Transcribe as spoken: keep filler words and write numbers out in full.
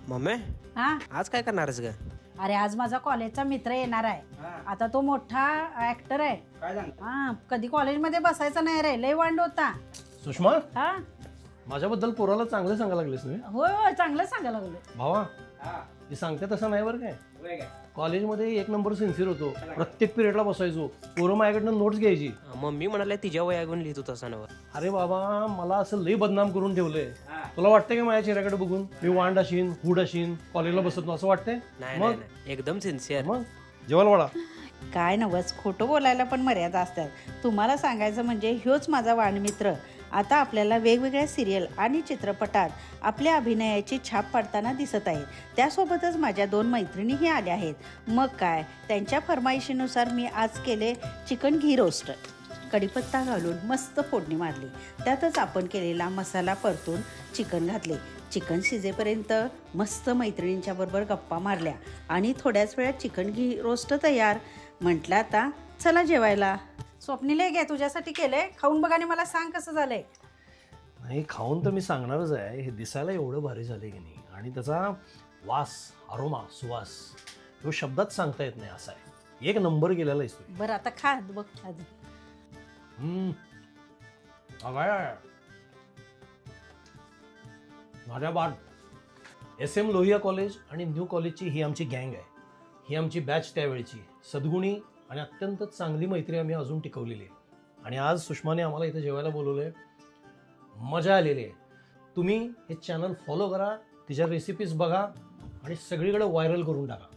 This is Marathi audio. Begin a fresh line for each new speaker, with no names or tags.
मम्मी
हा
आज काय करणारच ग?
अरे आज माझा कॉलेजचा मित्र येणार आहे. आता तो मोठा ऍक्टर आहे.
काय सांगता?
हा कधी कॉलेजमध्ये बसायचा नाही रे, लय वांड होता.
सुषमा
हा
माझ्याबद्दल पोराला चांगलं सांगायला लागलीस ना
होय होय चांगलं सांगायला लागलो.
भावा ती सांगते तसं नाही बरं काय कॉलेजमध्ये एक नंबर सिन्सिअर होतो प्रत्येक पिरियडला बसायचो पोरं माझ्याकडनं नोट्स घ्यायची
मम्मी म्हणाले तिच्या वयागून लिहितो तसा नव.
अरे बाबा मला असं लई बदनाम करून ठेवलंय तुला वाटतंय का माझ्या चेहऱ्याकडे बघून मी वांड अशीन हुड अशीन कॉलेजला बसत नाही असं वाटतंय
नाही
मग
नाही, नाही. एकदम सिन्सिअर.
मग जेवायला वाढा
काय नवस, खोटं बोलायला पण मर्यादा असतात. तुम्हाला सांगायचं म्हणजे ह्योच माझा वाणमित्र आता आपल्याला वेगवेगळ्या सिरियल आणि चित्रपटात आपल्या अभिनयाची छाप पाडताना दिसत आहेत. त्यासोबतच माझ्या दोन मैत्रिणीही आल्या आहेत. मग काय, त्यांच्या फरमाईशीनुसार मी आज केले चिकन घी रोस्ट. कढीपत्ता घालून मस्त फोडणी मारली. त्यातच आपण केलेला मसाला परतून चिकन घातले. चिकन शिजेपर्यंत मस्त मैत्रिणींच्या बरोबर गप्पा मारल्या आणि थोड्याच वेळात चिकन घी रोस्ट तयार. म्हटलं आता चला जेवायला. स्वप्नीले घे, तुझ्यासाठी केले, खाऊन बघ आणि मला सांग कसं झालंय.
नाही खाऊन तर मी सांगणारच आहे. हे दिसायला एवढं भारी झाले की नाही आणि त्याचा वास अरोमा सुवास तो शब्दात सांगता येत नाही असा आहे. एक नंबर गेलेला आहे.
बरं आता खा बघ आधी.
हम्म अगाय माझ्या बाद एस एम लोहिया कॉलेज आणि न्यू कॉलेजची ही आमची गँग आहे. ही आमची बॅच त्यावेळची सद्गुणी आणि अत्यंत चांगली मैत्री आम्ही अजून टिकवलेली आहे. आणि आज सुषमाने आम्हाला इथे जेवायला बोलवलं आहे. मजा आलेली आहे. तुम्ही हे चॅनल फॉलो करा, तिच्या रेसिपीज बघा आणि सगळीकडे व्हायरल करून टाका.